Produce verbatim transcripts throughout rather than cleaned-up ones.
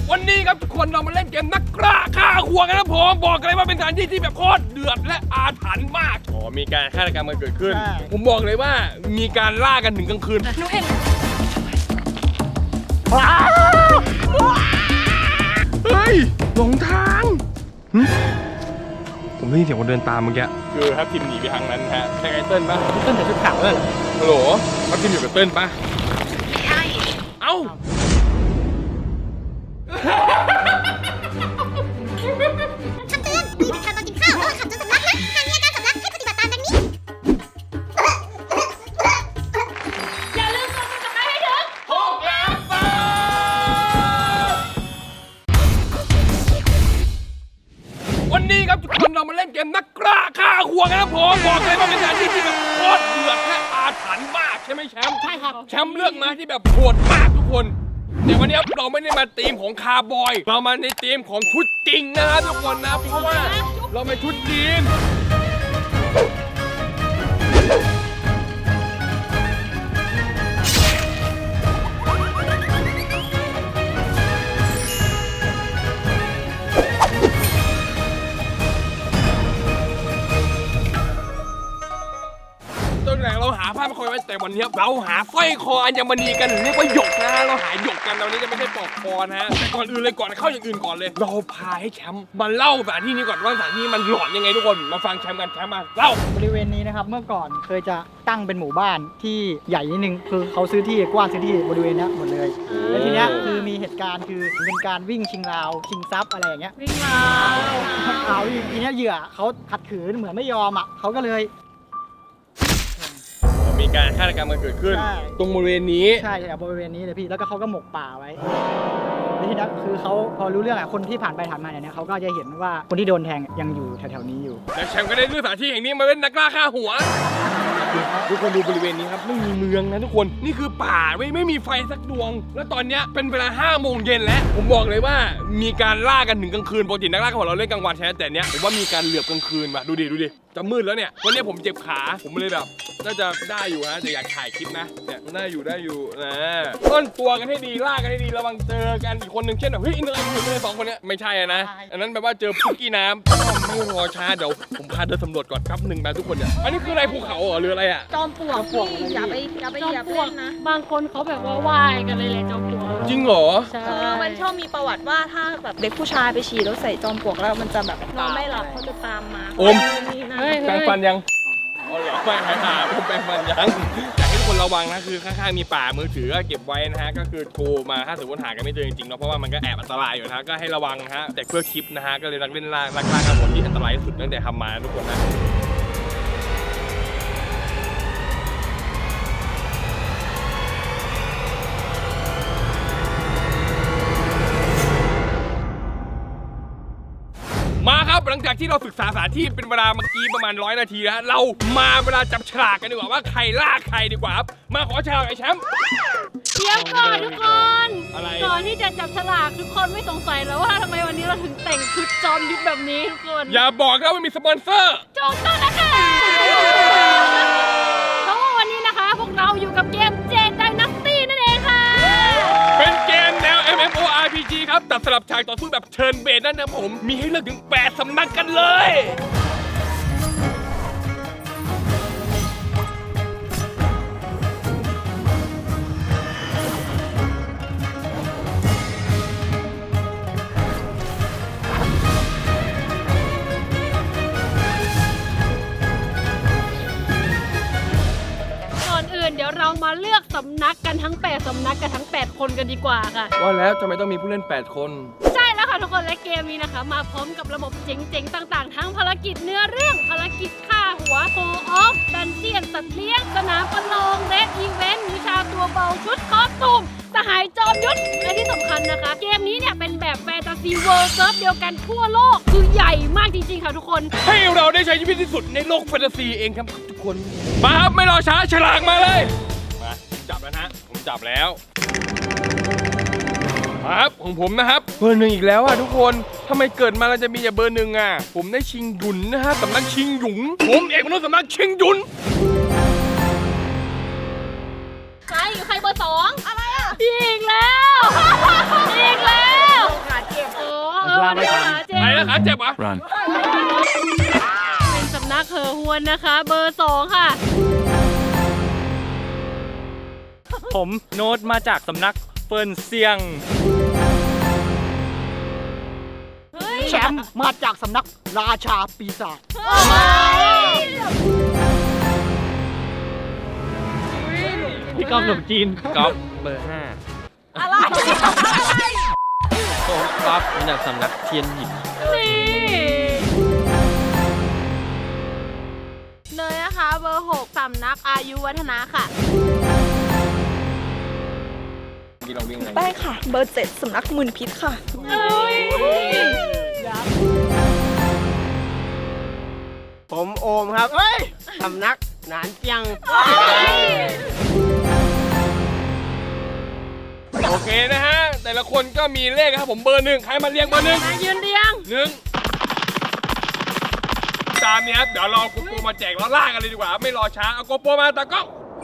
วันนี้ครับทุกคนเรามาเล่นเกมนักกล้าฆ่าหัวกันนะผมบอกเลยว่าเป็นสถานที่ที่แบบโคตรเดือดและอาถรรพ์มากอ๋อมีการฆาตกรรมมันเกิดขึ้นผมบอกเลยว่ามีการล่ากันถึงกลางคืนหนูเห็นเฮ้ยหลงทางผมได้ยินเสียงคนเดินตามเมื่อกี้คือทัพทีมหนีไปทางนั้นฮะใช่ไงเติ้ลปะเติ้ลแต่ชุดขาวเลยฮัลโหลทัพทีมอยู่กับเติ้ลปะใช่เอ้าคำเตือนมีเป็นข่าวตอนกินข้าวระหว่างขับจนสำลักนะหากมีอาการสำลักให้ปฏิบัติตามดังนี้อย่าลืมกดติดตามให้ถึงหกล้านบาทวันนี้ครับทุกคนเรามาเล่นเกมนักกล้าฆ่าหัวกันนะผมบอกเลยว่าเป็นสถานที่ที่แบบโคตรเดือดและอาถรรพ์มากใช่ไหมแชมป์ใช่ครับแชมป์เลือกมาที่แบบโหดมากทุกคนแต่วันนี้เราไม่ได้มาธีมของคาร์บอยเรามาในธีมของชุดจริงนะครับทุกคนนะเพราะว่าเราเป็นชุดจีนต้นแรกเราหาผ้าไม่คอยไว้แต่วันนี้เราหาสร้อยคออัญมณีกันเรียกว่าหยกนะเราหาหยกกันตอนนี้จะไม่ใช่ปลอกคอนะฮะแต่ก่อนอื่นเลยก่อนเข้าอย่างอื่นก่อนเลยเราพาให้แชมป์มาเล่าสถานที่นี้ก่อนว่าสถานที่มันหลอนยังไงทุกคนมาฟังแชมป์กันแชมป์มาเล่าบริเวณนี้นะครับเมื่อก่อนเคยจะตั้งเป็นหมู่บ้านที่ใหญ่นิดนึงคือเขาซื้อที่กว้างซื้อที่บริเวณนี้หมดเลยแล้วทีเนี้ยคือมีเหตุการณ์คือเป็นการวิ่งชิงราวชิงทรัพย์อะไรอย่างเงี้ยวิ่งราวเอาทีเนี้ยเหยื่อเขาขัดขืนเหมือนไม่ยอมอ่ะเขาก็เลยมีการฆาตกรรมมันเกิดขึ้นตรงบริเวณนี้ใช่ใช่บริเวณนี้เลยพี่แล้วก็เขาก็หมกป่าไว้แล้วทีนี้คือเขาพอรู้เรื่องอ่ะคนที่ผ่านไปผ่านมาเนี่ยเขาก็จะเห็นว่าคนที่โดนแทงยังอยู่แถวๆนี้อยู่แล้วแชมป์ก็ได้เลือกสถานที่แห่งนี้มาเป็นนักล่าฆ่าหัวทุกคนดูบริเวณนี้ครับไม่มีเมืองนะทุกคนนี่คือป่าไม่ไม่มีไฟสักดวงแล้วตอนนี้เป็นเวลาห้าโมงเย็นแล้วผมบอกเลยว่ามีการล่ากันถึงกลางคืนปกตินักล่าฆ่าหัวเราเล่นกลางวันใช่ไหมแต่เนี้ยผมว่ามีการเหลือบกลางคืนว่ะดูดิดูดิจะมืดแล้วเนี่ยวันนี้ผมเจ็บขาผมเลยแบบน่าจะได้อยู่นะแต่อยากถ่ายคลิปนะเนี่ยน่าอยู่ได้อยู่นะต้นตัวกันให้ดีล่ากันให้ดีระวังเจอกันอีกคนหนึ่งเช่นแบบเฮ้ยอินเตอร์เน็ตอยู่ในสองคนเนี้ยไม่ใช่นะอันนั้นแปลว่าเจอพุกกี้น้ำไม่รอช้าเดี๋ยวผมพาเดินสำรวจก่อนครับหนึ่งมาทุกคนเนี่ยอันนี้คืออะไรภูเขาเหรอหรืออะไรอ่ะจอมปลวกพี่อย่าไปอย่าไปเหยียบเล่นนะบางคนเขาแบบว่าว่ายกันเลยเลยจอมปลวกจริงเหรอใช่มันชอบมีประวัติว่าถ้าแบบเด็กผู้ชายไปฉี่แล้วใส่จอมปลวกแล้วมันจะแบบนอนไม่หลับเขาจะตามมาอมแปรงฟันยังอ๋อเหรอไม่หายหาผมแปรงฟันยังอยากให้ทุกคนระวังนะคือข้างๆมีป่ามือถือก็เก็บไว้นะฮะก็คือโทรมาถ้าสมมติหากันไม่เจอจริงๆเนาะเพราะว่ามันก็แอบอันตรายอยู่นะก็ให้ระวังนะฮะแต่เพื่อคลิปนะฮะก็เลยรักเล่นล่ารักล่ากันหมดที่อันตรายที่สุดตั้งแต่ทำมาทุกคนนะมาครับหลังจากที่เราศึกษาสถานที่เป็นเวลาเมื่อกี้ประมาณร้อยนาทีแล้วเรามาเวลาจับฉลากกันดีกว่าว่าใครล่าใครดีกว่าครับมาขอฉลากไอ้แชมป์เดี๋ยวก่อนทุกคนอะไรก่อนที่จะจับฉลากทุกคนไม่สงสัยแล้วว่าทำไมวันนี้เราถึงแต่งชุดจอมยุทธแบบนี้ทุกคนอย่าบอกนะว่ามีสปอนเซอร์จงต้องนะคะเพราะว่าวันนี้นะคะพวกเราอยู่กับเกมเจนไดนาสตี้นั่นเองค่ะเป็นเกมแนว เอ็ม เอ็ม โอ อาร์ พี จี ครับตัดสลับฉากต่อสู้แบบเทิร์นเบสนั่นนะผมมีให้เลือกถึงแปดสำนักกันเลยเดี๋ยวเรามาเลือกสำนักกันทั้งแปดสำนักกันทั้งแปดคนกันดีกว่าค่ะว่าแล้วทำไมต้องมีผู้เล่นแปดคนใช่แล้วค่ะทุกคนและเกมนี้นะคะมาพร้อมกับระบบเจ๋งๆต่างๆทั้งภารกิจเนื้อเรื่องภารกิจฆ่าหัวโคออฟดันเจียนสัตว์เลี้ยงสนามประลองเรดอีเวนต์วิชาตัวเบาชุดคอสตูมสหายจอมยุทธและที่สำคัญนะคะเกมนี้เนี่ยเป็นแบบแฟนตาซีเวิลด์เซิร์ฟเดียวกันทั่วโลกคือใหญ่มากจริงๆค่ะทุกคนให้เราได้ใช้ชีวิตที่สุดในโลกแฟนตาซีเองครับทุกคนมาครับไม่รอช้าฉลากมาเลยมาจับแล้วนะผมจับแล้วครับของผมนะครับเบอร์หนึ่งอีกแล้วอ่ะทุกคนทำไมเกิดมาเราจะมีแต่เบอร์หนึ่งอ่ะผมได้ชิงหยุนนะฮะสำนักชิงหยุนผมเอกมนุษย์สำนักชิงหยุนใครอยู่ใครเบอร์สองอะไรอ่ะอีกแล้วอีกแล้วลาไม่ทันไปแล้วขาเจ็บเหรอ Run เป็นสำนักเหอฮวนนะคะ เบอร์สองค่ะผมโน้ตมาจากสำนักเฟิร์นเซียงแชมป์มาจากสำนักราชาปีศาจพี่กอล์ฟขนมจีนกอล์ฟเบอร์ห้าอะไรผมกอล์ฟมาจากสำนักเทียนหยิบนี่เนยนะคะเบอร์หกสำนักอายุวัฒนะค่ะพี่ลองวิ่งไงได้ค่ะ เบอร์เจ็ดสำนักหมื่นพิษค่ะเอ้ยผมโอมครับสำนักหนานเจียงโอเคนะฮะ แต่ละคนก็มีเลขครับผมเบอร์หนึ่งใครมาเรียงเบอร์หนึ่งมายืนเรียงหนึ่งตามนี้ครับเดี๋ยวรอโกโปรมาแจกแล้วล่ากันเลยดีกว่าไม่รอช้าเอาโกโปรมาตากล้อง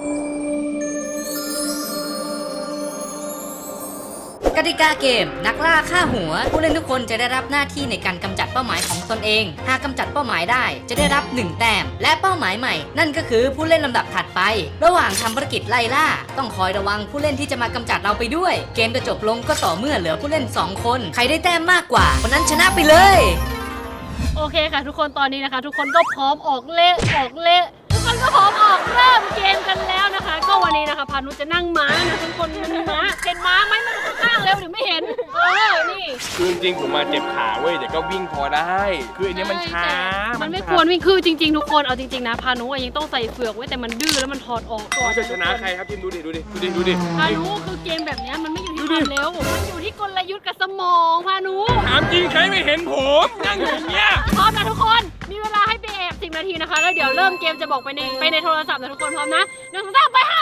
กติกาเกมนักล่าฆ่าหัว ผู้เล่นทุกคนจะได้รับหน้าที่ในการกำจัดเป้าหมายของตนเอง หากกำจัดเป้าหมายได้จะได้รับหนึ่งแต้มและเป้าหมายใหม่ นั่นก็คือผู้เล่นลำดับถัดไป ระหว่างทำภารกิจไล่ล่า ต้องคอยระวังผู้เล่นที่จะมากำจัดเราไปด้วย เกมจะจบลงก็ต่อเมื่อเหลือผู้เล่นสองคนใครได้แต้มมากกว่าคนนั้นชนะไปเลยโอเคค่ะ ทุกคนตอนนี้นะคะ ทุกคนก็พร้อมออกเล่ออกเล่ทุกคนก็พร้อมออกเริ่มเกมกันแล้วนะคะ ก็วันนี้นะคะพานุจะนั่งม้านะทุกคนมันมีม้าเห็นม้าไหมมันข้างๆเร็วหรือไม่เห็นเออนี่คือจริงๆผมมาเจ็บขาเว้ยแต่ก็วิ่งพอได้ คืออันนี้มันช้ามันไม่ช้าควรวิ่งคือจริงๆทุกคนเอาจริงๆนะพานุอะยังต้องใส่เฟือกไว้แต่มันดื้อแล้วมันถอดออกก่อนเขาจะชนะใครครับทีมดูดิดูดิดูดิดูดิพานุคือเกมแบบเนี้ยมันไม่อยู่ที่ความเร็วมันอยู่ที่กลยุทธ์กับสมองพานุถามจริงใครไม่เห็นผมนั่งอยู่อย่างเงี้ยพร้อมนะทุกคน มีเวลาให้ไปแอบสิบนาทีนะคะ แล้วเดี๋ยวเริ่มเกมจะบอกไปในไปในโทรศัพท์นะทุกคนพร้อมนะหนึ่งสองสามไปค่ะ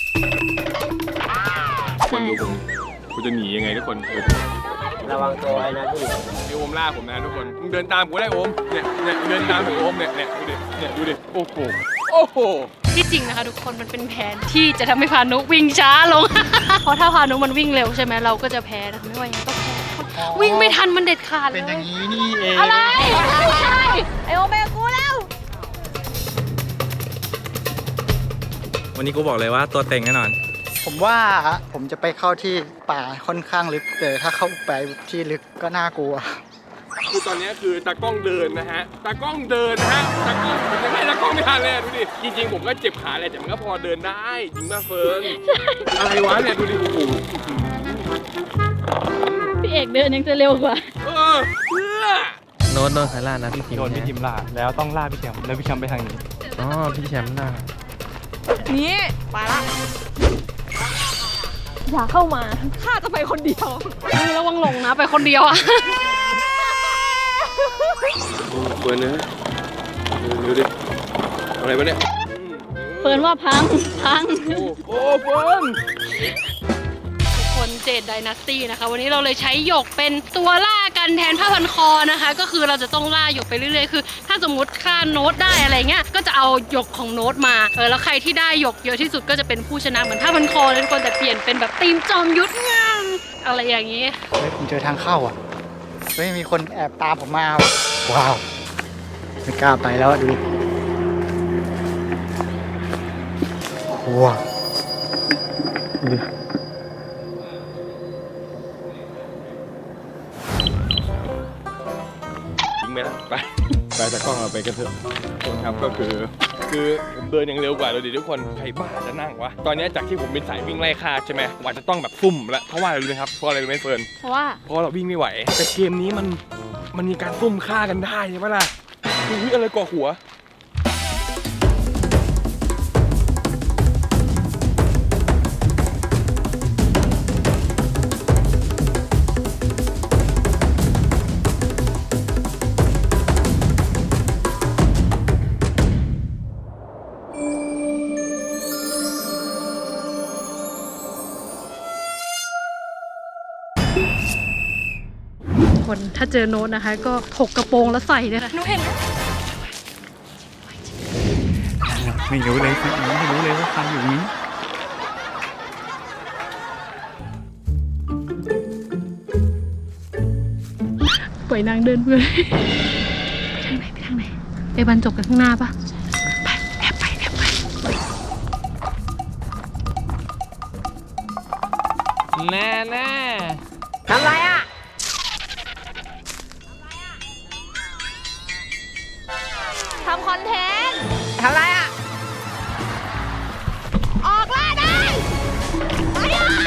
คนดูผมกูจะหนียังไงทุกคนระวังตัวไว้นะพี่เดี๋ยวโอมล่าผมนะทุกคนมึงเดินตามกูได้โอมเนี่ยเนี่ยเดินตามผมโอมเนี่ยเนี่ยดูดิเนี่ยดูดิโอ้โหโอ้โหที่จริงนะคะทุกคนมันเป็นแผนที่จะทำให้พานุวิ่งช้าลง เพราะถ้าพานุมันวิ่งเร็วใช่ไหมเราก็จะแพ้นะไม่ว่ายังไงก็แพ้วิ่งไม่ทันมันเด็ดขาดเลยเป็นอย่างนี้นี่เองอะไรไม่ใช่ไอโอเมกูแล้ววันนี้กูบอกเลยว่าตัวเต็งแน่นอนผมว่าผมจะไปเข้าที่ป่าค่อนข้างลึกแต่ถ้าเข้าไปที่ลึกก็น่ากลัวคือตอนนี้คือตากล้องเดินนะฮะตากล้องเดินนะฮะตากล้องผมยังให้ตากล้องไม่ทันเลยอะดูดิจริงๆผมก็เจ็บขาแหละแต่มันก็พอเดินได้จริงมากเฟิร์นอะไรวะเนี่ยดูดิโอ้โหพี่เอกเดินยังจะเร็วกว่าเออเพื่อโน้ตโดนใครล่านะพี่ทีมโดนพี่ทีมล่าแล้วต้องล่าพี่แชมป์แล้วพี่แชมป์ไปทางนี้อ๋อพี่แชมป์ล่านี่ไปละ อย่าเข้ามาข้าจะไปคนเดียวมึงระวังหลงนะไปคนเดียวอะเฟิร์นเนื้อดูดิอะไรวะเนี่ยเฟิร์นว่าพังพังโอ้โหเฟิร์นทุกคนเจดไดนาสตี้นะคะ วันนี้เราเลยใช้หยกเป็นตัวล่ากันแทนผ้าพันคอนะคะ ก็คือเราจะต้องล่าหยกไปเรื่อยๆคือถ้าสมมติฆ่าโน้ตได้อะไรเงี้ยก็จะเอาหยกของโน้ตมาเออแล้วใครที่ได้หยกเยอะที่สุดก็จะเป็นผู้ชนะเหมือนผ้าพันคอเลยทุกคนแต่เปลี่ยนเป็นแบบทีมจอมยุทธงานอะไรอย่างนี้เฮ้ยผมเจอทางเข้าอ่ะเฮ้ยมีคนแอบตามผมมาว่ะว้าวไม่กล้าไปแล้วอะดูดิว้าวดูดิยิงไหมล่ะไปไปตากล้องเราไปกันเถอะทุกคนครับก็คือคือผมเดินอย่างเร็วกว่าเราดิทุกคนใครบ้าจะนั่งวะตอนนี้จากที่ผมเป็นสายวิ่งไล่ฆ่าใช่ไหมว่าจะต้องแบบซุ่มแล้วเพราะว่าอะไรรู้ไหมครับเพราะอะไรรู้ไหมเฟิร์นเพราะว่าเพราะเราวิ่งไม่ไหวแต่เกมนี้มันมันมีการซุ่มฆ่ากันได้ใช่ไหมล่ะอุ้ยอะไรก่อหัวคนถ้าเจอโน้ตนะคะก็ถกกระโปรงแล้วใส่เลยค่ะหนูเห็นไม่รู้เลยฟันไม่รู้เลยว่าฟันอยู่นี้ปล่อยนางเดินเพื่อนไปทางไหนไปทางไหนไปบรรจบกันข้างหน้าปะไปแอบไปแอบไปแน่แน่ทำไรอ่ะทำคอนเทนต์ทำไรอ่ะออกล่าได้ไปอ่ะ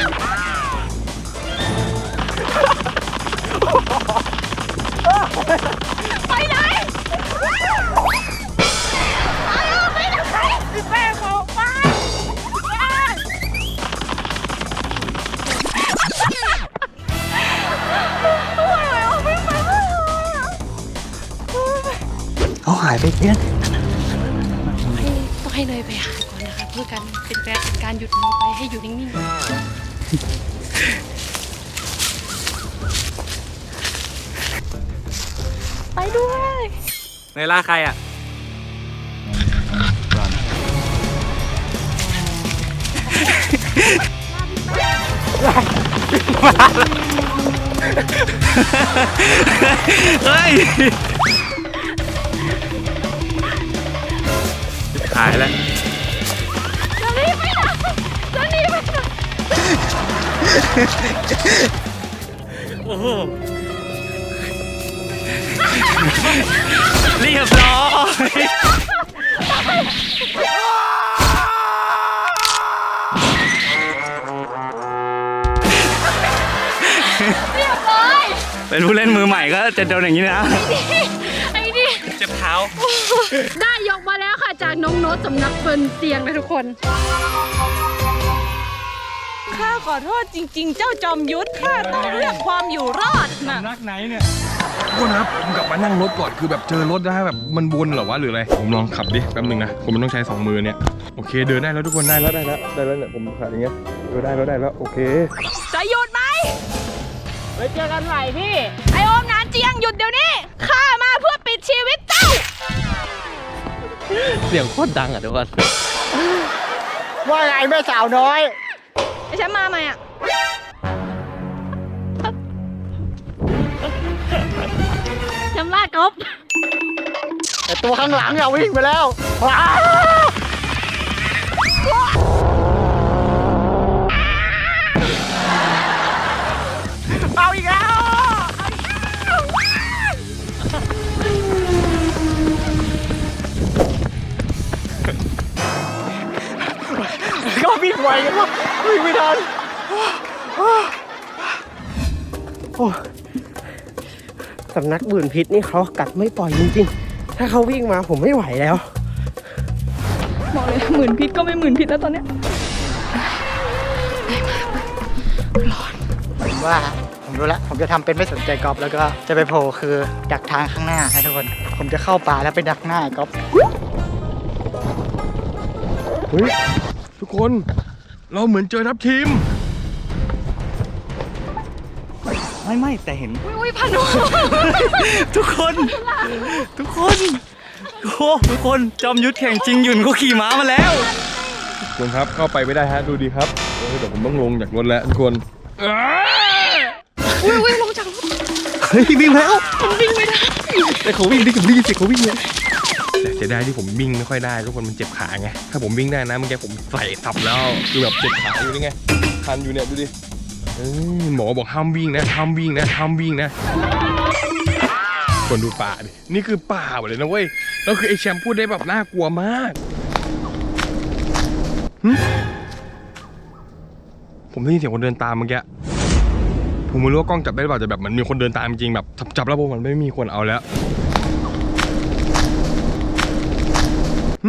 ไปไหนไปอ่ะไปไหนแม่บอกไปเขาหายไปเพี้ยนต้องให้เนยไปหาก่อนนะคะเพื่อการเป็นแปลเป็นการหยุดมือไปให้อยู่นิ่งๆไปด้วยในล่าใครอ่ะเฮ้ยหายแล้วจะรีบไปไหนจะรีบไปไหนโอ้โห เรียบร้อยเรียบร้อยเป็นผู้เล่นมือใหม่ก็จะโดนอย่างนี้นะไอ้นี่เจ็บเท้าได้ยกมาแล้วค่ะจากน้องโน้ตสำนักเฟิร์นเตียงนะทุกคนข้าขอโทษจริงๆ เจ้าจอมยุทธข้าต้องเลือกความอยู่รอดนะนักไหนเนี่ยทุกคนครับผมกลับมานั่งรถก่อนคือแบบเจอรถนะแบบมันวนเหรอวะหรืออะไรผมลองขับดิแป๊บนึงนะผมมันต้องใช้สองมือเนี่ยโอเคเดินได้แล้วทุกคนได้แล้วได้แล้วได้แล้วเนี่ยผมขับอย่างเงี้ยเออได้แล้วได้แล้วโอเคจะหยุดไหมไว้เจอกันใหม่พี่ ไอโอมนานเจียงหยุดเดี๋ยวนี้ ข้ามาเพื่อปิดชีวิตเจ้าเสียงโคตรดังอ่ะทุกคนว่าไงแม่สาวน้อยไอฉันมาไหมอ่ะจำลาดกบแต่ตัวข้างหลังอะวิ่งไปแล้วว้าวเอาอีกแล้ว ก็วิ่งไวกันวะวิ่งไม่ทันโอ้สำนักบื่นพิษนี่เขากัดไม่ปล่อยจริงๆ ถ้าเขาวิ่งมาผมไม่ไหวแล้วบอกเลยหมื่นพิษก็ไม่หมื่นพิษแล้วตอนเนี้ยผมว่าผมรู้แล้วผมจะทำเป็นไม่สนใจกอล์ฟแล้วก็จะไปโผล่คือดักทางข้างหน้าให้ทุกคน ผมจะเข้าป่าแล้วไปดักหน้าไอ้กอล์ฟเฮ้ยทุกคนเราเหมือนเจอทัพทีมไม่ไม่แต่เห็นอุ้ยพันโทุกคน ทุกคนโอ้ทุกคนจอมยุทธแข่งจริงหยุ่นเขาขี่ม้ามาแล้วทุกคนครับเข้าไปไม่ได้ฮะดูดีครับเออเดี๋ยวผมต้องลงจากรถแล้วทุกคนเอ้ยอุ้ยอุ้ยลงจากรถเฮ้ยวิ่งแล้ววิ่งไม่ได้แต่เขาวิ่งได้กับรีสิเขาวิ่งเลยแต่เสียดายที่ผมวิ่งไม่ค่อยได้ทุกคนมันเจ็บขาไงถ้าผมวิ่งได้นะเมื่อกี้ผมใส่สับแล้วคือแบบเจ็บขาอยู่นี่ไงคันอยู่เนี่ยดูดิเอ้ยหมอบอกห้ามวิ่งนะห้ามวิ่งนะห้ามวิ่งนะคนดูป่าดินี่คือป่าหมดเลยนะเว้ยแล้วคือไอ้แชมป์พูดได้แบบน่ากลัวมากหึผมได้ยินเสียงคนเดินตามเมื่อกี้ผมไม่รู้ว่ากล้องจับได้หรือเปล่าแต่แบบมันมีคนเดินตามจริงแบบจับแล้วพวกมันไม่มีคนเอาแล้วหึ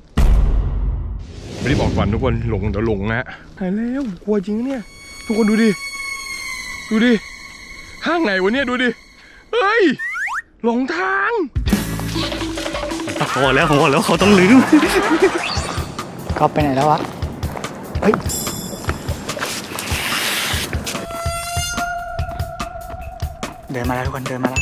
ไม่ได้บอกก่อนทุกคนหลงเดี๋ยวหลงนะหายแล้วกลัวจริงเนี่ยทุกคนดูดิดูดิห้างไหนวะเนี่ยดูดิเฮ้ยหลงทางตะโกนแล้วผมบอกแล้วเขาต้องลืมกอล์ฟไปไหนแล้ววะ เฮ้ย เดินมาแล้วทุกคนเดินมาแล้ว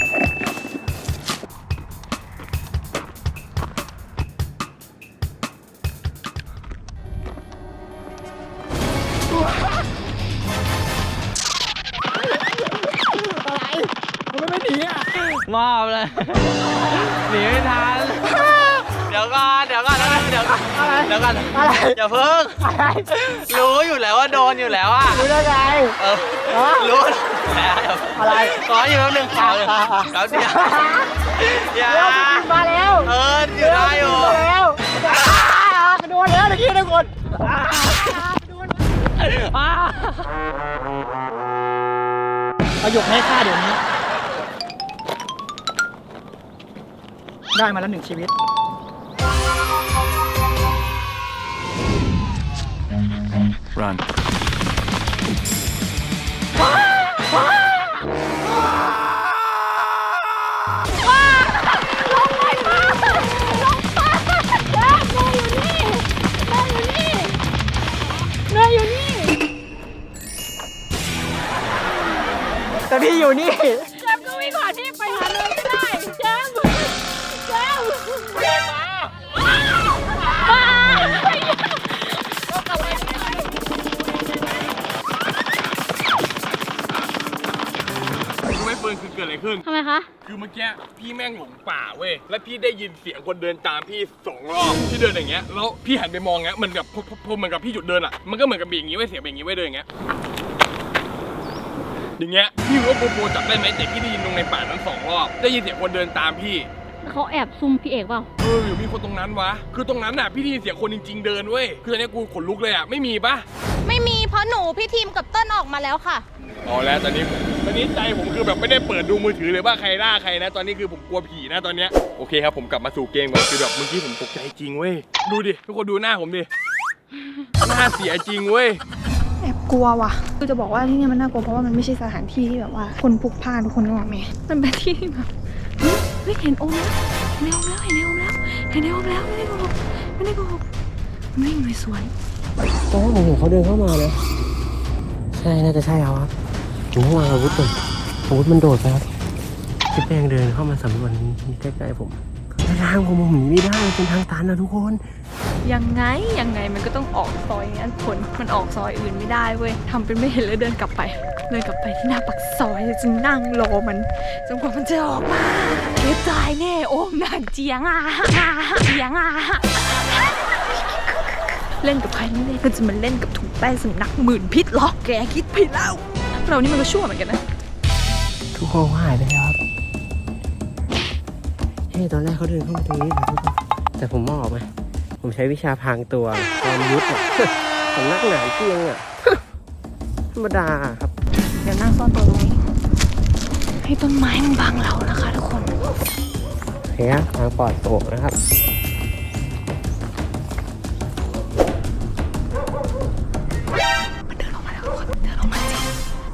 อะไรทำไมไม่หนีมอบเลย หนีไม่ทัน เดี๋ยวก่อนเดี๋ยวก่อนเดี๋ยวก่อนเดี๋ยวก่อนอย่าเพิ่งรู้อยู่แล้วว่าโดนอยู่แล้วอ่ะรู้ได้ไงเออรู้แล้วอะไรขออยู่แป๊บนึงขออยู่แล้วเดี๋ยวอย่ามาแล้วเอออยู่ได้อยู่มาแล้วกระโดดแล้วตะกี้ทุกคนประโยคให้ค่าเดี๋ยวนี้ ได้มาแล้วหนึ่งชีวิต run แต่พี่อยู่นี่แจมก็วิ่งผ่านพี่ไปหาเลยไม่ได้แจมแจมแจมมารู้ไหมเฟิร์นคือเกิดอะไรขึ้นทำไมคะคือเมื่อกี้พี่แม่งหลงป่าเว้ย แล้วพี่ได้ยินเสียงคนเดินตามพี่สองรอบพี่เดินอย่างเงี้ย แล้วพี่หันไปมองเงี้ยเหมือนกับพอพอเหมือนกับพี่หยุดเดินอ่ะ มันก็เหมือนกับเบี่ยงอย่างงี้ไว้เสียงเบี่ยงอย่างงี้ไว้เดินอย่างเงี้ย อย่างเงี้ย พี่รู้ว่าโปโปจับได้ไหมแต่พี่ได้ยินตรงในป่านั้นสองรอบ ได้ยินเสียงคนเดินตามพี่เขาแอบซุ่มพี่เอกเปล่าเอออยู่มีคนตรงนั้นวะ คือตรงนั้นน่ะพี่ได้ยินเสียงคนจริงๆเดินเว้ย คือตอนนี้กูขนลุกเลยอ่ะ ไม่มีปะไม่มีเพราะหนูพี่ทีมกับเติ้ลออกมาแล้วค่ะอ๋อแล้วตอนนี้ตอนนี้ใจผมคือแบบไม่ได้เปิดดูมือถือเลยว่าใครล่าใครนะ ตอนนี้คือผมกลัวผีนะตอนเนี้ยโอเคครับผมกลับมาสู่เกมก่อนคือแบบเมื่อกี้ผมตกใจจริงเว้ย ดูดิทุกคนดูหน้าผมดิ หน้าเสียจริงเว้ยแอบกลัวว่ะคือจะบอกว่าที่เนี่ยมันน่ากลัวเพราะว่ามันไม่ใช่สถานที่ที่แบบว่าคนพลุกพล่านทุกคนนึกออกไหมมันเป็นที่ที่แบบเฮ้ยเฮ้ยเห็นโอมแล้วเห็นโอมแล้วเห็นโอมแล้วเห็นโอมแล้วไม่ได้โกหกไม่ได้โกหกมันวิ่งไปสวนตอนแรกผมเห็นเขาเดินเข้ามานะใช่น่าจะใช่เอาครับผมวางอาวุธก่อนอาวุธมันโดดไปครับพี่แป้งเดินเข้ามาสำรวจใกล้ๆผมทางผมผมหนีไม่ได้เป็นทางตันนะทุกคนยังไงยังไงมันก็ต้องออกซอยงั้นผลมันออกซอยอื่นไม่ได้เว้ยทำเป็นไม่เห็นแล้วเดินกลับไปเดินกลับไปที่หน้าปากซอยจะนั่งรอมันจนกว่ามันจะออกมาเดี๋ยวตายแน่โอมนางเจียงอ่ะเจียงอ่ะเล่นกับใครไม่เล่นก็จะมาเล่นกับถุงแป้งสำนักหมื่นพิษหรอกแกคิดผิดแล้วเรานี่มันก็ชั่วเหมือนกันนะทุกคนหายไปแล้วครับเฮ้ยตอนแรกเขาเดินเข้ามาตรงนี้นะทุกคนแต่ผมมองออกไหมผมใช้วิชาพรางตัวความยุทธอ่ะ สำนักหนานเกียงอ่ะ ธรรมดาครับเดี๋ยวนั่งซ่อนตัวตรงนี้ให้ต้นไม้มันบังเรานะคะทุกคนโอเคครับทางปลอดโปร่งนะครับมันเดินออกมาแล้วทุกคนเดินออกมาจริง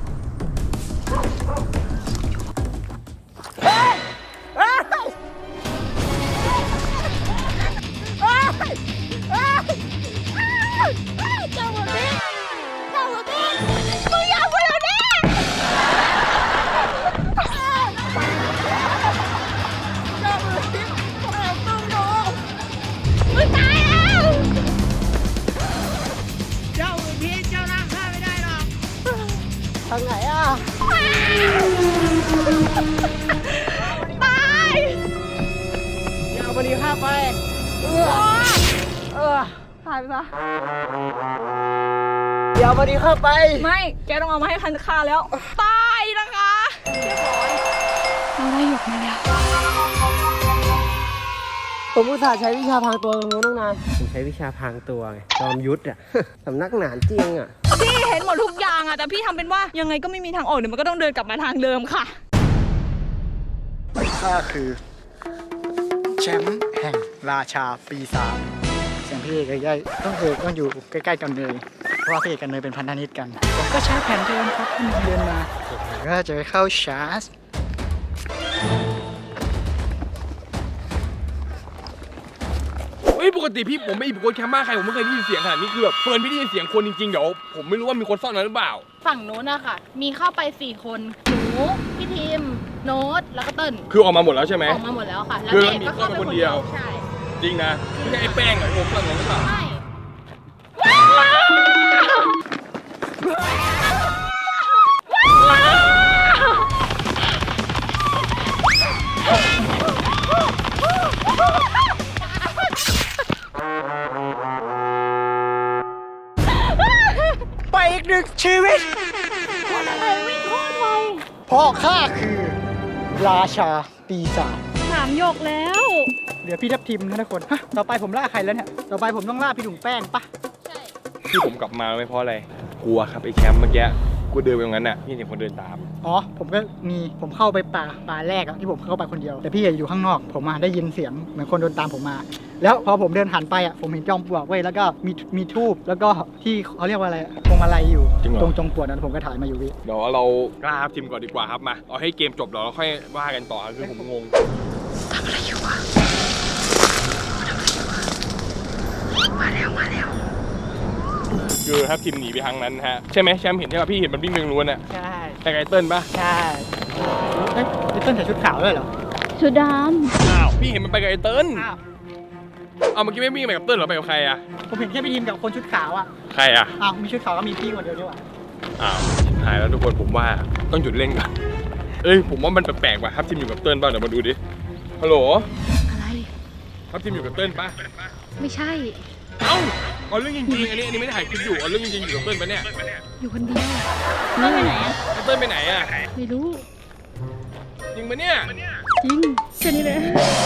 เจ้าหัวเด็กเจ้าหัวเด็กมึงอย่าพูดเดี๋ยวนี้เจ้าหัวเด็กของเราต้องโดนมึงตายแล้วเจ้าอื่นพี่เจ้าร่างข้าไม่ได้หรอกทางไหนอ่ะตายอย่าเอาบดีข้าไปเออเออตายไปปะอย่าเอาบดีข้าไปไม่แกต้องเอามาให้คันฆ่าแล้วตายนะคะเรียบร้อยเราได้หยกมาแล้วผมอุตส่าห์ใช้วิชาพรางตัวตรงนู้นตั้งนานผมใช้วิชาพรางตัวไงจอมยุทธอ่ะ สำนักหนานเจียงอ่ะพี่เห็นหมดทุกอย่างอะแต่พี่ทำเป็นว่ายังไงก็ไม่มีทางออกเดี๋ยวมันก็ต้องเดินกลับมาทางเดิมค่ะข้าคือแชมป์แห่งราชาปีศาจเสียงพี่เอกใกล้ๆต้องเอกต้องอยู่ใกล้ๆกันเลยเพราะว่าพี่เอกกับเนยเป็นพันธมิตรกันผมก็ใช้แผนเดิมครับที่เดินมาผมก็จะไปเข้าชาร์จเฮ้ยปกติพี่ผมไม่อีกคนแคมป์บ้านใครผมไม่เคยได้ยินเสียงขนาดนี้คือแบบเฟิร์นพี่ได้ยินเสียงคนจริงๆเดี๋ยวผมไม่รู้ว่ามีคนซ่อนนั้นหรือเปล่าฝั่งโน้นอะค่ะ มีเข้าไปสี่คนหนูพี่ทีมโน้ตแล้วก็เติ้ลคือออกมาหมดแล้วใช่ไหมออกมาหมดแล้วค่ะ แล้วคือเด็กก็เข้าไปมีคคนนเดีเดียยว วใช่จริงนะไม่ใช่ไอ้แป้งเหรอไอ้โอมซ่อนนั้นหรือเปล่าใช่ชีวิตอะไรวิ่งโคตรไวเพราะข้าคือราชาปีศาจสามหยกแล้วเหลือพี่ทับทิมนะทุกคนฮะต่อไปผมล่าใครแล้วเนี่ยต่อไปผมต้องล่าพี่ถุงแป้งปะที่ผมกลับมาไม่เพราะอะไรกลัวครับไอ้แชมป์เมื่อกี้กูเดินไปตรงนั้นน่ะพี่เห็นคนเดินตามอ๋อผมก็มีผมเข้าไปป่าป่าแรกอะที่ผมเข้าไปคนเดียวแต่พี่อยู่ข้างนอกผมมาได้ยินเสียงเหมือนคนเดินตามผมมา แล้วพอผมเดินหันไปอะผมเห็นจอมปลวกเว้ยแล้วก็มีมีทูบแล้วก็ที่เขาเรียกว่าอะไรพวงมาลัยอยู่ตรงจอมปลวกนั้นผมก็ถ่ายมาอยู่พี่เดี๋ยวเรากล้าทีมก่อนดีกว่าครับมาเอาให้เกมจบแล้วเราค่อยว่ากันต่อคือผมงงทำอะไรอยู่วะมาแล้วมาแล้วคือครับทีมหนีไปทางนั้นฮะใช่ไหมแชมป์เห็นใช่ป่ะพี่เห็นมันวิ่งเรื่องล้วนอ่ะใช่แต่ไกเติ้ลปะใช่เอ้ยไอ้เต้นใส่ชุดขาวด้วยเหรอชุดดอ้าวพี่เห็นมันไปกับไอ้เติ้ลอ้าวเอาเมื่อกี้ไม่วิ่งไปกับเติ้ลหรอไปกับใครอ่ะผมเห็นแค่พี่ทีมกับคนชุดขาวอะใครอ่ะอ้าวมีชุดขาวก็มีพี่คนเดียวด้วยว่ะอ้าวชิบหายแล้วทุกคนผมว่าต้องหยุดเล่นก่อนเอ้ยผมว่ามันแปลกๆว่ะครับทีมอยู่กับเติ้ลป่ะเดี๋ยวมาดูดิฮัลโหลำอะไรครับทีมอยู่กับเติ้ลป่ะไม่ใช่เอ้าเอาเรื่องจริงๆอันนี้อันนี้ไม่ได้ถ่ายคลิปอยู่เอาเรื่องจริงๆอยู่กับเติ้ลปะเนี่ยอยู่คนเดียวำไม่ไปไหนอะไอ้เติ้ลไปไหนอ่ะไม่รู้จริงปะเนี่ยจริงแค่นี้เลย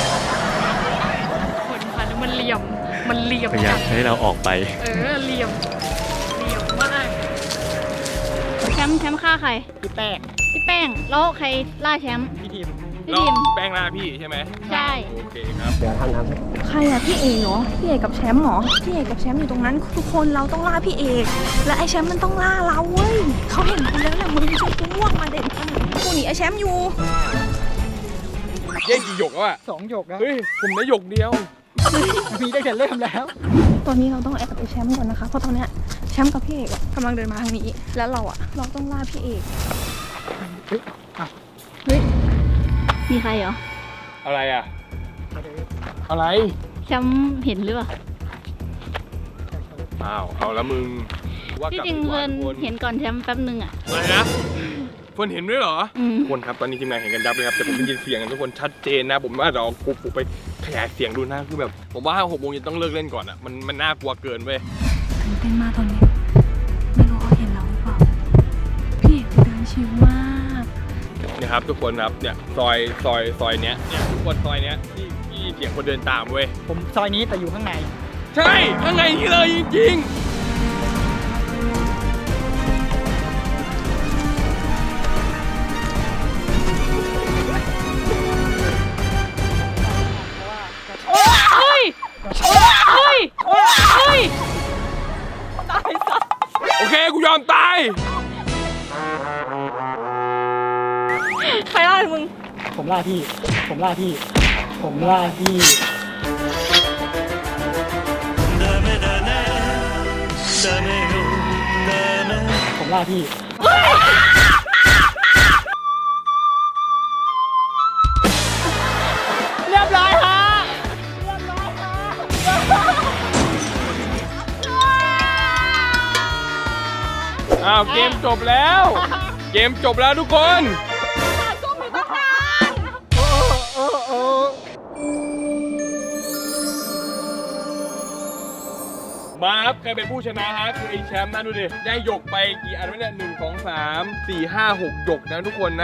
คนพันมันเหลี่ยม มันเหลี่ยมพยายามให้เราออกไปเออเหลี่ยม เหลี่ยมมากแชมป์แชมป์ฆ่าใครพี่แป้งพี่แป้ง แล้วใครล่าแชมป์พี่ทีมพี่แล้วทีมแป้งล่าพี่ใช่ไหมใช่โอเคครับเดี๋ยวทำน้ำให้ใครอะพี่เอกเหรอ พี่เอกกับแชมป์เหรอ พี่เอกกับแชมป์อยู่ตรงนั้น ทุกคนเราต้องล่าพี่เอก และไอแชมป์มันต้องล่าเราเว้ยเขาเห็นกูแล้วแหละมึงช่วยกูม่วงมาเด็ดกูหนีไอแชมป์อยู่เย่งกี่หยกแล้วอ่ะสองหยกแล้วเฮ้ยผมได้หยกเดียวมีได้แต่เริ่มแล้วตอนนี้เราต้องแอบไอแชมป์ก่อนนะคะ เพราะตอนเนี้ยแชมป์กับพี่เอกอะกำลังเดินมาทางนี้ แล้วเราอะเราต้องล่าพี่เอกเฮ้ยอ่ะเฮ้ย มีใครเหรออะไรอ่ะ อะไรแชมป์เห็นหรือเปล่าอ้าวเอาละมึงว่ากที่ลับจริงดีกเพื่ว่าอนทุกคนเห็นก่อนแชมป์แป๊บนึงอะอะไรนะเฟิร์นเห็นด้วยเหรออืมทุกคนครับตอนนี้ทีมงานเห็นกันยับเลยครับแต่ผมได้ยินเสียงกันทุกคนชัดเจนนะ ผมว่าเราปุ๊บปุ๊บไปขยายเสียงดูนะคือแบบผมว่าหกโมงเย็นต้องเลิกเล่นก่อนอ่ะมันมันน่ากลัวเกินเว้ยตื่นเต้นมากตอนนี้ ไม่รู้เขาเห็นเราหรือเปล่า พี่เอกเดินชิวมากเนี่ยครับทุกคนครับเนี่ยซอยซอยซอยเนี้ยเนี่ยทุกคนซอยเนี้ยที่ที่เสียงคนเดินตามเว้ยผมซอยนี้แต่อยู่ข้างในใช่ข้างในนี่เลยจริงๆเฮ้ย เฮ้ย เฮ้ยโอเค กูยอมตายใครล่ามึงผมล่าพี่ ผมล่าพี่ ผมล่าพี่ ผมล่าพี่ เรียบร้อยฮะอ้าวเกมจบแล้ว เกมจบแล้วทุกคน มาครับใครเป็นผู้ชนะฮะคือไอ้แชมป์นะดูดิได้หยกไปกี่อันวะเนี่ยหนึ่งสองสามสี่ห้าหกหยกนะทุกคนนะ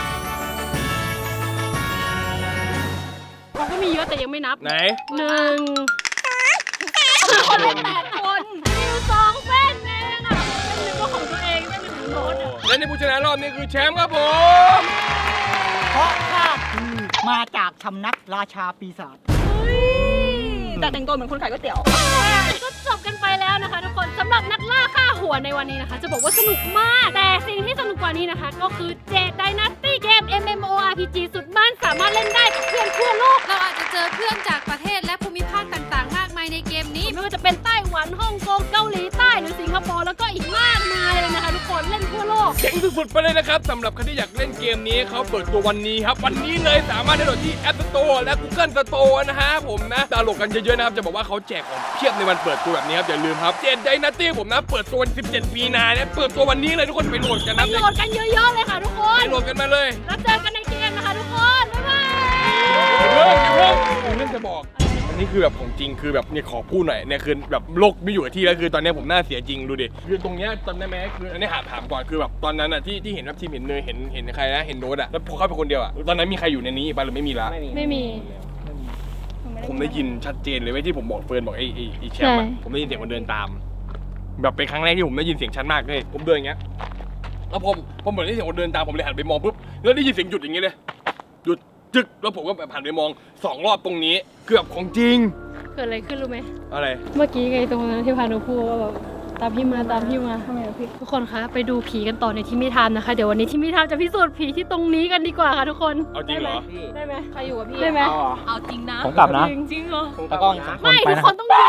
เขาก็มีเยอะแต่ยังไม่นับไหนหนึ่งคนเป็นแปดคนมีอยู่สองเส้นเองอ่ะเส้นหนึ่งก็ของตัวเองเส้นหนึ่งของโน้ตอ่ะและในผู้ชนะรอบนี้คือแชมป์ครับผมเพราะข้าคือมาจากสำนักราชาปีศาจแต่แต่งตัวเหมือนคนขายก๋วยเตี๋ยวก็จบกันไปแล้วนะคะทุกคนสำหรับนักล่าฆ่าหัวในวันนี้นะคะ จะบอกว่าสนุกมาก แต่สิ่งที่สนุกกว่านี้นะคะ ก็คือเจดไดนาสตี้เกม เอ็ม เอ็ม โอ อาร์ พี จี สุดมันสามารถเล่นได้กับเพื่อนทั่วโลกเราอาจจะเจอเพื่อนจากประเทศและภูมิภาคต่างๆ มากมายในเกมนี้ไม่ว่าจะเป็นไต้หวันฮ่องกงเกาหลีใต้หรือสิงคโปร์แล้วก็อีกมากมายเลยนะคะทุกคนเล่นทั่วโลกเจ๋งสุดๆไปเลยนะครับสำหรับใครที่อยากเล่นเกมนี้เขาเปิดตัววันนี้ครับวันนี้เลยสามารถดาวน์โหลดที่ App Store และ Google Store นะฮะผมนะดาวน์โหลดกันเยอะๆนะครับจะบอกว่าเขาแจกของเพียบในวันเปิดตัวแบบนี้ครับอย่าลืมครับเจนไดนาตี้ผมนะเปิดตัววันสิบเจ็ดมีนาเนี่ยเปิดตัววันนี้เลยทุกคนไปโหลดกันไปนะโหลดกันเยอะๆเลยค่ะทุกคนไปโหลดกันมาเลยแล้วเจอกันในเกมนะคะทุกคนบ๊ายบายอย่าเพิ่งอย่าเพิ่งมีเรื่องจะบอกวันนี้นี้คือแบบของจริงคือแบบเนี่ยขอพูดหน่อยเนี่ยคือแบบโลกไม่อยู่กับที่แล้วคือตอนนี้ผมน่าเสียจริงดูดิคือตรงเนี้ยตอนนั้นแม้คืออันนี้ถามถามก่อนคือแบบตอนนั้นอ่ะที่ที่เห็นว่าทีมเห็นเนยเห็นเห็นใครนะเห็นโน้ตอ่ะแล้วพอเข้าไปคนเดียวอ่ะตอนนั้นมีใครอยู่ในนี้บ้างหรือไม่มีละไม่มีผมได้ยินชัดเจนเลยเว้ยที่ผมบอกเฟิร์นบอกไอ้ไอ้ไอ้แชมป์อะผมได้ยินเสียงคนเดินตาม แบบเป็นครั้งแรกที่ผมได้ยินเสียงชัดมากเลยผมเดินอย่างเงี้ยแล้วผมผมเหมือนได้ยินเสียงคนเดินตามผมเลยหันไปมองปุ๊บแล้วได้ยินเสียงหยุดอย่างเงี้ยเลยหยุดจึกแล้วผมก็แบบหันไปมองสองรอบตรงนี้เกือบของจริงเกิดอะไรขึ้นรู้ไหมอะไรเมื่อกี้ไงตรงนั้นที่พานุพูดว่าแบบตามพี่มาตามพี่มาทำไมพี่ทุกคนคะไปดูผีกันต่อในที่มิทามนะคะเดี๋ยววันนี้ที่มิทามจะพิสูจน์ผีที่ตรงนี้กันดีกว่าค่ะทุกคนเอาจริงเหรอได้ไหมใครอยู่กับพี่ได้ไหมเอาจริงนะผมกลับนะจริงจริงเหรอตากล้องสองคนไม่ไปทุกนะคนต้องอยู่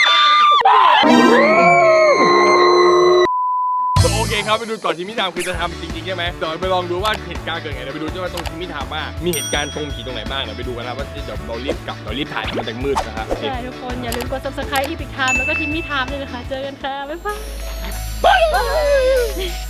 โอเคครับไปดูก่อนที่มิทามคือจะทำจริงๆใช่ไหมเดี๋ยวไปลองดูว่าเหตุการณ์เกิดไงเดี๋ยวไปดูว่าตรงที่มิทามว่ามีเหตุการณ์ตรงผีตรงไหนบ้างเดี๋ยวไปดูกันนะว่าเดี๋ยวเรารีบกลับเรารีบถ่ายมันจะมืดนะครับโอเคใช่ทุกคนอย่าลืมกด ซับสไครบ์ อีพิกไทม์แล้วก็ทีมมิทามด้วยนะคะเจอกันค่ะบ๊ายบาย